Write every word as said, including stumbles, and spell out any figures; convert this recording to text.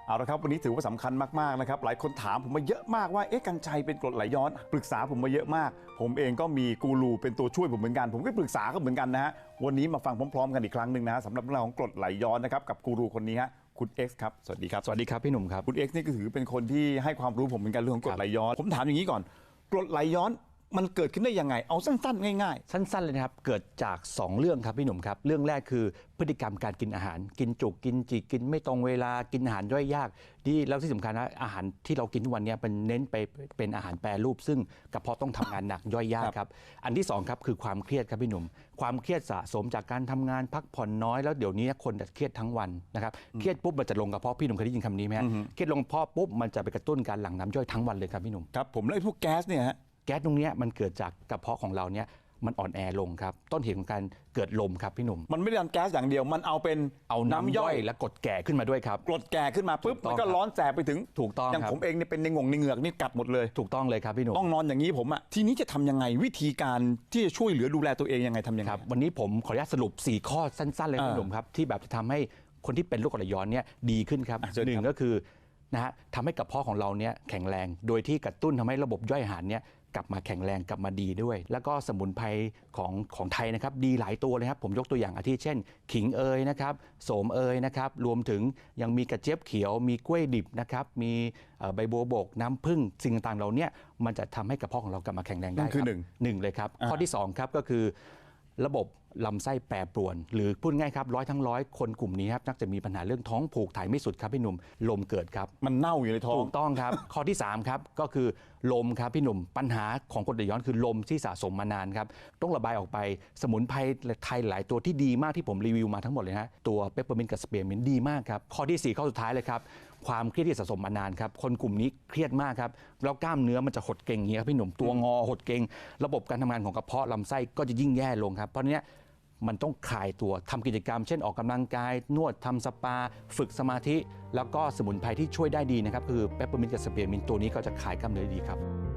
เอาละครับวันนี้ถือว่าสำคัญมากๆนะครับหลายคนถามผมมาเยอะมากว่าเอ๊ะกัญชัยเป็นกรดไหลย้อนปรึกษาผมมาเยอะมากผมเองก็มีกูรูเป็นตัวช่วยผมเหมือนกันผมก็ปรึกษาเขาเหมือนกันนะฮะวันนี้มาฟังพร้อมๆกันอีกครั้งหนึ่งนะฮะสำหรับเรื่องของกรดไหลย้อนนะครับกับกูรูคนนี้ฮะคุณ X ครับสวัสดีครับสวัสดีครับพี่หนุ่มครับคุณ X นี่ก็ถือเป็นคนที่ให้ความรู้ผมเหมือนกันเรื่องของกรดไหลย้อนผมถามอย่างนี้ก่อนกรดไหลย้อนมันเกิดขึ้นได้ยังไงเอาสั้นๆง่ายๆสั้นๆเลยนะครับเกิดจากสองเรื่องครับพี่หนุ่มครับเรื่องแรกคือพฤติกรรมการกินอาหารกินจุกกินจิกกินไม่ตรงเวลากินอาหารย่อยยากที่แล้วที่สำคัญนะอาหารที่เรากินทุกวันนี้เป็นเน้นไปเป็นอาหารแปรรูปซึ่งกระเพาะต้องทำงานหนักย่อยยากครับอันที่สองครับคือความเครียดครับพี่หนุ่มความเครียดสะสมจากการทำงานพักผ่อนน้อยแล้วเดี๋ยวนี้คนจะเครียดทั้งวันนะครับเครียดปุ๊บมันจะลงกระเพาะพี่หนุ่มเคยได้ยินคำนี้ไหมฮะเครียดลงกระเพาะปุ๊บมันจะไปกระตุ้นการหลั่งน้ำย่อยทั้งวันเลยครับพี่หนุ่มครับผมแล้วไอ้พวกแก๊สเนี่ยฮะแก๊สตรงนี้มันเกิดจากกระเพาะของเราเนี่ยมันอ่อนแอลงครับต้นเหตุของการเกิดลมครับพี่หนุ่มมันไม่ได้ดันแก๊สอย่างเดียวมันเอาเป็นเอาน้ำย่อยและกรดแก่ขึ้นมาด้วยครับกรดแก่ขึ้นมาปุ๊บมันก็ร้อนแสบไปถึงถูกต้องอย่างผมเองเนี่ยเป็นในงงในเหงือกนี่กัดหมดเลยถูกต้องเลยครับพี่หนุ่มต้องนอนอย่างนี้ผมอ่ะทีนี้จะทำยังไงวิธีการที่จะช่วยเหลือดูแลตัวเองยังไงทำยังไงครับวันนี้ผมขออนุญาตสรุปสี่ข้อสั้นๆเลยพี่หนุ่มครับที่แบบจะทำให้คนที่เป็นโรคกรดไหลย้อนเนี่ยดีขึ้นครับหนึ่งก็คือนะฮะทำให้กระเพาะของเราเนี่ยแข็งแรงโดยที่กระตุ้นทำให้ระบบย่อยอาหารเนี่ยกลับมาแข็งแรงกลับมาดีด้วยแล้วก็สมุนไพรของของไทยนะครับดีหลายตัวเลยครับผมยกตัวอย่างอาทิเช่นขิงเอยนะครับโสมเอยนะครับรวมถึงยังมีกระเจี๊ยบเขียวมีกล้วยดิบนะครับมีใบบัวบกน้ำผึ้งสิ่งต่างๆเราเนี่ยมันจะทำให้กระเพาะของเรากลับมาแข็งแรงได้คือหนึ่งหนึ่งเลยครับข้อที่สองครับก็คือระบบลำไส้แปรปรวนหรือพูดง่ายครับร้อยทั้งร้อยคนกลุ่มนี้ครับนักจะมีปัญหาเรื่องท้องผูกถ่ายไม่สุดครับพี่หนุ่มลมเกิดครับมันเน่าอยู่ในท้องถูกต้องครับ ข้อที่สามครับก็คือลมครับพี่หนุ่มปัญหาของกรดไหลย้อนคือลมที่สะสมมานานครับต้องระบายออกไปสมุนไพรไทยหลายตัวที่ดีมากที่ผมรีวิวมาทั้งหมดเลยนะตัวเปปเปอร์มินต์กับสเปียร์มินต์ดีมากครับข้อที่สี่ข้อสุดท้ายเลยครับความเครียดที่สะสมมานานครับคนกลุ่มนี้เครียดมากครับแล้วกล้ามเนื้อมันจะหดเกร็งอย่างเงี้ยครับพี่หนุ่มตัวงอหดเกร็งระบบการทำงานของกระเพาะลำไส้ก็จะยิ่งแย่ลงครับเพราะเนี้ยมันต้องคลายตัวทำกิจกรรมเช่นออกกำลังกายนวดทำสปาฝึกสมาธิแล้วก็สมุนไพรที่ช่วยได้ดีนะครับคือเปปเปอร์มินต์กับสเปียร์มินต์ตัวนี้ก็จะคลายกล้ามเนื้อดีครับ